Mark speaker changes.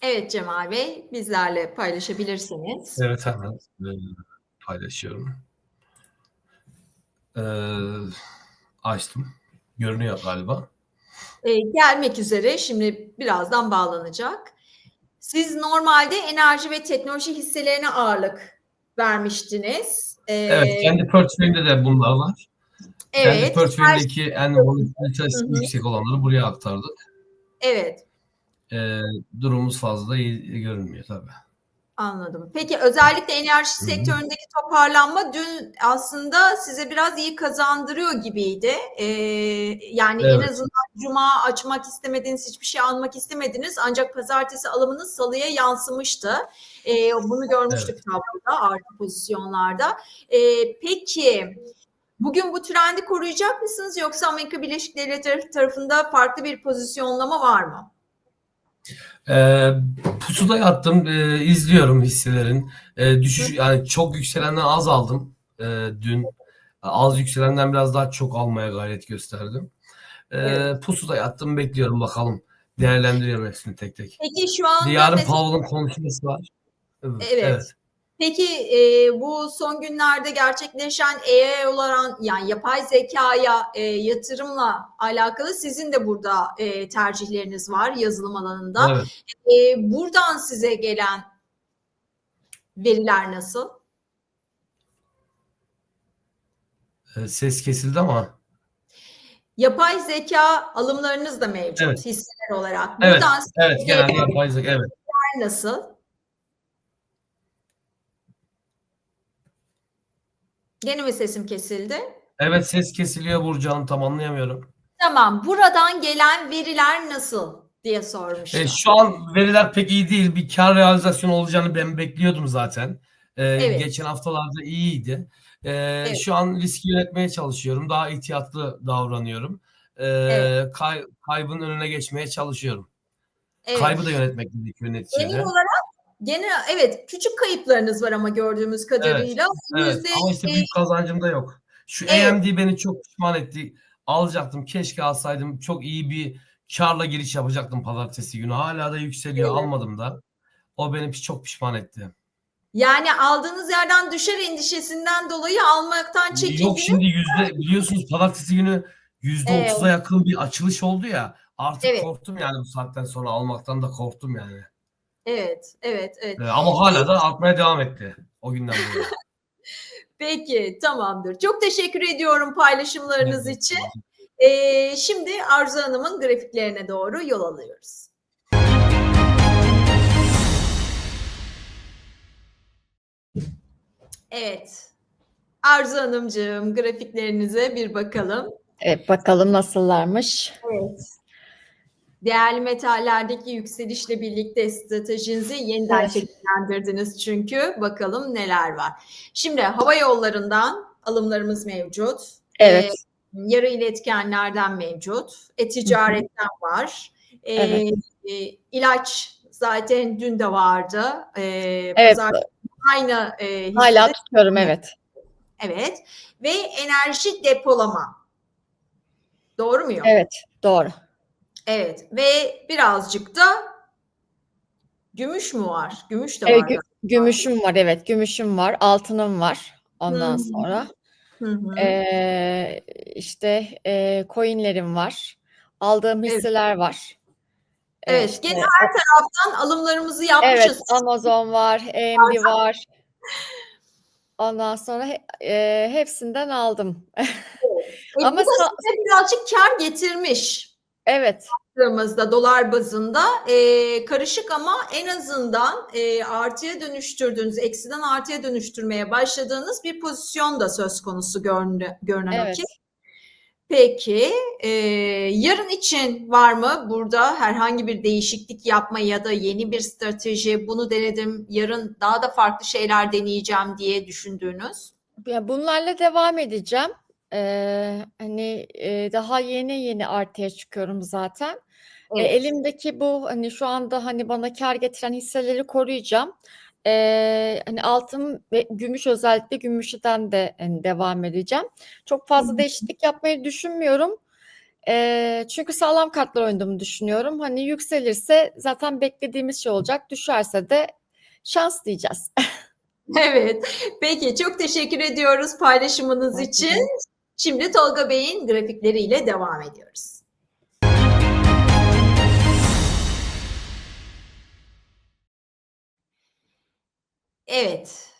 Speaker 1: Evet Cemal Bey, bizlerle paylaşabilirsiniz.
Speaker 2: Evet, hemen, paylaşıyorum. Açtım. Görünüyor galiba.
Speaker 1: Gelmek üzere, şimdi birazdan bağlanacak. Siz normalde enerji ve teknoloji hisselerine ağırlık vermiştiniz.
Speaker 2: Evet, kendi portföyümde de bunlar var. Kendi
Speaker 1: Evet, her
Speaker 2: portföyümdeki en
Speaker 1: Hı
Speaker 2: volatilitesi
Speaker 1: hı.
Speaker 2: yüksek olanları buraya aktardık.
Speaker 1: Evet,
Speaker 2: Durumumuz fazla da iyi görünmüyor tabii.
Speaker 1: anladım. Peki özellikle enerji
Speaker 2: Hı hı.
Speaker 1: sektöründeki toparlanma dün aslında size biraz iyi kazandırıyor gibiydi. Yani en
Speaker 2: Evet,
Speaker 1: azından cuma açmak istemediniz, hiçbir şey almak istemediniz ancak pazartesi alımınız salıya yansımıştı. Bunu görmüştük
Speaker 2: evet.
Speaker 1: tabloda, artı pozisyonlarda. Peki bugün bu trendi koruyacak mısınız yoksa Amerika Birleşik Devletleri tarafında farklı bir pozisyonlama var mı?
Speaker 2: Pusuda yattım, izliyorum hisselerin. Düşüş yani çok yükselenden az aldım, dün. Az yükselenden biraz daha çok almaya gayret gösterdim.
Speaker 1: Evet.
Speaker 2: Pusuda yattım, bekliyorum bakalım. Değerlendiriyorum hepsini tek tek.
Speaker 1: Peki şu
Speaker 2: Bir de
Speaker 1: anda
Speaker 2: yarın
Speaker 1: mesela
Speaker 2: Powell'ın konuşması var. Evet,
Speaker 1: evet.
Speaker 2: evet.
Speaker 1: Peki bu son günlerde gerçekleşen AI olan yani yapay zekaya yatırımla alakalı sizin de burada tercihleriniz var yazılım alanında.
Speaker 2: Evet.
Speaker 1: Buradan size gelen veriler nasıl?
Speaker 2: Ses kesildi ama.
Speaker 1: Yapay zeka alımlarınız da
Speaker 2: Evet.
Speaker 1: mevcut hisseler olarak.
Speaker 2: Evet.
Speaker 1: Buradan
Speaker 2: Evet.
Speaker 1: size
Speaker 2: Genelde
Speaker 1: gelen
Speaker 2: yapay zeka. Evet.
Speaker 1: veriler nasıl? Gene mi sesim kesildi?
Speaker 2: Evet, ses kesiliyor Burcu Hanım. Tam anlayamıyorum.
Speaker 1: Tamam. Buradan gelen veriler nasıl diye sormuştum.
Speaker 2: Şu an veriler pek iyi değil. Bir kar realizasyonu olacağını ben bekliyordum zaten.
Speaker 1: Evet,
Speaker 2: Geçen haftalarda iyiydi.
Speaker 1: evet,
Speaker 2: Şu an riski yönetmeye çalışıyorum. Daha ihtiyatlı davranıyorum.
Speaker 1: evet,
Speaker 2: Kaybın önüne geçmeye çalışıyorum.
Speaker 1: evet.
Speaker 2: Kaybı da yönetmek gerekiyor
Speaker 1: Genel
Speaker 2: neticede.
Speaker 1: olarak gene evet küçük kayıplarınız var ama gördüğümüz
Speaker 2: Evet,
Speaker 1: kadarıyla
Speaker 2: evet
Speaker 1: yüzde
Speaker 2: ama işte büyük kazancım da yok. Şu
Speaker 1: evet,
Speaker 2: AMD beni çok pişman etti. Alacaktım, keşke alsaydım. Çok iyi bir kârla giriş yapacaktım pazartesi günü. Hala da yükseliyor,
Speaker 1: evet.
Speaker 2: almadım da. O beni çok pişman etti.
Speaker 1: Yani aldığınız yerden düşer endişesinden dolayı almaktan
Speaker 2: Yok,
Speaker 1: çekindiniz.
Speaker 2: şimdi biliyorsunuz pazartesi günü %30'a
Speaker 1: Evet,
Speaker 2: yakın bir açılış oldu ya. Artık
Speaker 1: evet,
Speaker 2: korktum yani, bu saatten sonra almaktan da korktum yani.
Speaker 1: evet, evet, evet.
Speaker 2: Ama hala da artmaya devam etti o günden bu yana.
Speaker 1: Peki, tamamdır. Çok teşekkür ediyorum paylaşımlarınız
Speaker 2: Evet.
Speaker 1: için. Şimdi Arzu Hanım'ın grafiklerine doğru yol alıyoruz. Evet. Arzu Hanımcığım, grafiklerinize bir bakalım.
Speaker 3: Evet, bakalım nasıllarmış.
Speaker 1: Evet. Değerli metallerdeki yükselişle birlikte stratejinizi yeniden
Speaker 3: Evet.
Speaker 1: şekillendirdiniz çünkü. Bakalım neler var. Şimdi hava yollarından alımlarımız mevcut.
Speaker 3: Evet.
Speaker 1: Yarı iletkenlerden mevcut.
Speaker 3: Hı hı.
Speaker 1: E-ticaretten var.
Speaker 3: Evet.
Speaker 1: İlaç zaten dün de vardı.
Speaker 3: Evet.
Speaker 1: Pazar aynı
Speaker 3: Hala
Speaker 1: hissede.
Speaker 3: tutuyorum, evet.
Speaker 1: Evet. Ve enerji depolama. Doğru muyum?
Speaker 3: Evet, doğru.
Speaker 1: Evet. Ve birazcık da gümüş mü var? Gümüş de
Speaker 3: Evet,
Speaker 1: var galiba.
Speaker 3: gümüşüm var, evet. Gümüşüm var, altınım var
Speaker 1: Hı
Speaker 3: ondan
Speaker 1: hı.
Speaker 3: sonra.
Speaker 1: Hı hı.
Speaker 3: İşte, coin'lerim var. Aldığım
Speaker 1: Evet.
Speaker 3: hisseler var.
Speaker 1: Evet.
Speaker 3: İşte
Speaker 1: Gene her taraftan alımlarımızı
Speaker 3: evet,
Speaker 1: yapmışız.
Speaker 3: Amazon var, AMD var. Ondan sonra hepsinden aldım.
Speaker 1: Bu
Speaker 3: Ama
Speaker 1: da size birazcık kâr getirmiş.
Speaker 3: evet,
Speaker 1: Baktığımızda dolar bazında karışık ama en azından artıya dönüştürdüğünüz, eksiden artıya dönüştürmeye başladığınız bir pozisyon da söz konusu görünen o ki.
Speaker 3: evet.
Speaker 1: Peki, yarın için var mı burada herhangi bir değişiklik yapma ya da yeni bir strateji, bunu denedim, yarın daha da farklı şeyler deneyeceğim diye düşündüğünüz?
Speaker 3: Ya, bunlarla devam edeceğim. Hani, daha yeni artıya çıkıyorum zaten.
Speaker 1: Evet,
Speaker 3: Elimdeki bu, hani, şu anda, hani, bana kâr getiren hisseleri koruyacağım. Hani, altın ve gümüş, özellikle gümüşten de, hani, devam edeceğim. Çok
Speaker 1: Hı
Speaker 3: fazla
Speaker 1: hı.
Speaker 3: değişiklik yapmayı düşünmüyorum. Çünkü sağlam kartlar oynadığımı düşünüyorum. Hani yükselirse zaten beklediğimiz şey olacak. Düşerse de şans diyeceğiz.
Speaker 1: Evet. Peki çok teşekkür ediyoruz paylaşımınız için. Şimdi Tolga Bey'in grafikleriyle devam ediyoruz. Evet.